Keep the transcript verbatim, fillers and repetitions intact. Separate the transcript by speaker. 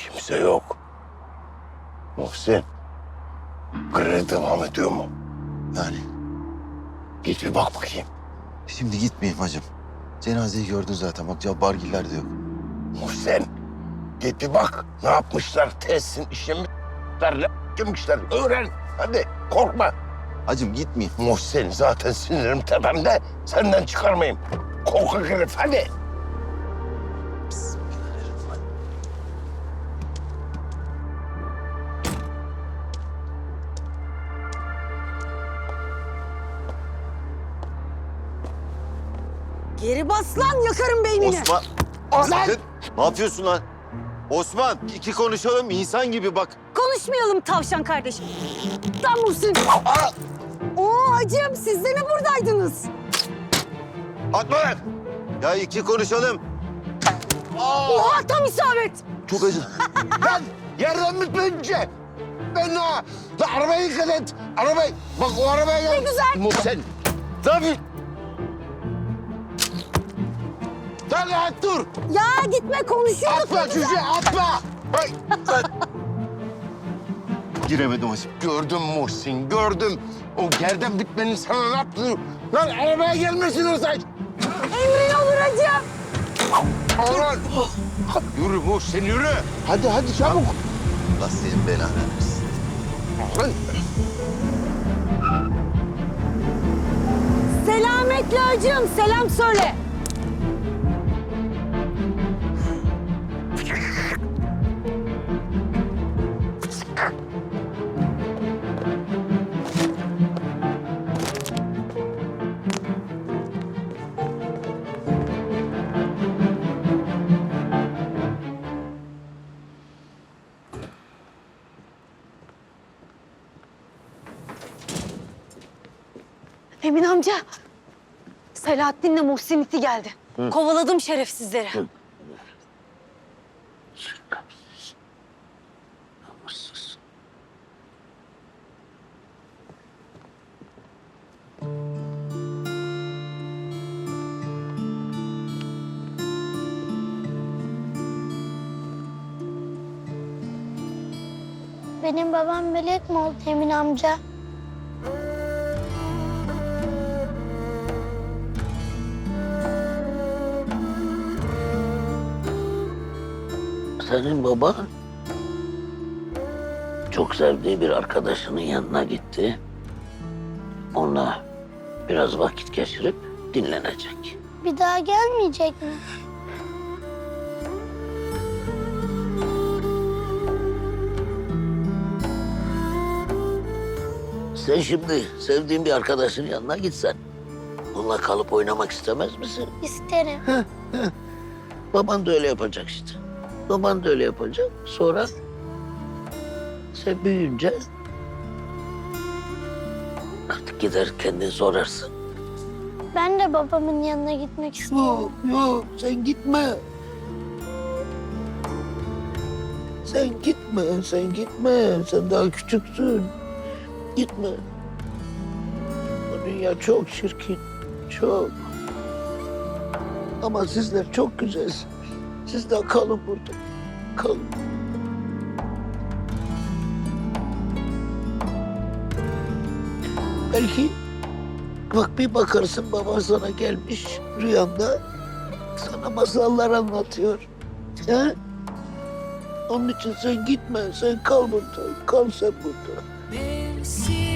Speaker 1: Kimse yok. Muhsin, grev devam ediyor mu?
Speaker 2: Yani
Speaker 1: Git bir bak bakayım.
Speaker 2: şimdi gitmeyeyim hacım. Cenazeyi gördün zaten. Bak Cabbargiller de yok.
Speaker 1: Muhsin, git bir bak. Ne yapmışlar? Tesisin işlemişler, ne yapmışlar? Öğren. Hadi korkma.
Speaker 2: Hacım gitmeyeyim.
Speaker 1: Muhsin, zaten sinirim tepemde. Senden çıkarmayayım. Korkak herif, hadi.
Speaker 3: Geri bas lan, yakarım beynini.
Speaker 2: Osman.
Speaker 1: Lan!
Speaker 2: Sakın. Ne yapıyorsun lan? Osman iki konuşalım insan gibi bak.
Speaker 3: Konuşmayalım tavşan kardeşim. Lan Muhsin. Oo hacım, siz de mi buradaydınız?
Speaker 2: Atma lan. Ya iki konuşalım.
Speaker 3: Oha, tam isabet.
Speaker 2: Çok acı.
Speaker 1: Lan yerden bitmeyince. Ben ha. Lan arabayı dikkat et. Arabayı. Bak o arabaya gel.
Speaker 3: Ne güzel.
Speaker 1: Muhsin. Tabii. Lan lan dur.
Speaker 3: Ya gitme, konuşuyorduk.
Speaker 1: Atma
Speaker 3: ne güzel.
Speaker 1: çocuğu atma. Ay, lan.
Speaker 2: Giremedim hacım.
Speaker 1: Gördüm Muhsin, gördüm. O gerden bitmenin sana ne yaptığını... Lan arabaya gelmesin Rıza.
Speaker 3: Emrin olur hacım.
Speaker 1: Aman. Yürü Muhsin, yürü. Hadi, hadi çabuk.
Speaker 2: Allah senin belanı versin.
Speaker 1: Lan.
Speaker 3: Selametle hacım, selam söyle. Emin amca, Selahattin'le Muhsin iti geldi. Kovaladım şerefsizleri.
Speaker 4: Benim babam melek mi oldu Emin amca?
Speaker 5: Senin baba çok sevdiği bir arkadaşının yanına gitti. Onunla biraz vakit geçirip dinlenecek.
Speaker 4: Bir daha gelmeyecek mi?
Speaker 5: Sen şimdi sevdiğin bir arkadaşının yanına gitsen, onunla kalıp oynamak istemez misin?
Speaker 4: İsterim.
Speaker 5: Baban da öyle yapacak işte. Baban da öyle yapacak. Sonra sen büyüyünce artık gider kendin sorarsın.
Speaker 4: Ben de babamın yanına gitmek istiyorum.
Speaker 5: Yok, yok sen gitme. Sen gitme, sen gitme. Sen daha küçüksün. Gitme. Bu dünya çok çirkin, çok. Ama sizler çok güzelsiniz. Siz de kalın burada. Kalın. Belki bak bir bakarsın baban sana gelmiş rüyanda sana masallar anlatıyor. He? Onun için sen gitme, sen kal burada. Kal sen burada.
Speaker 6: Mevsim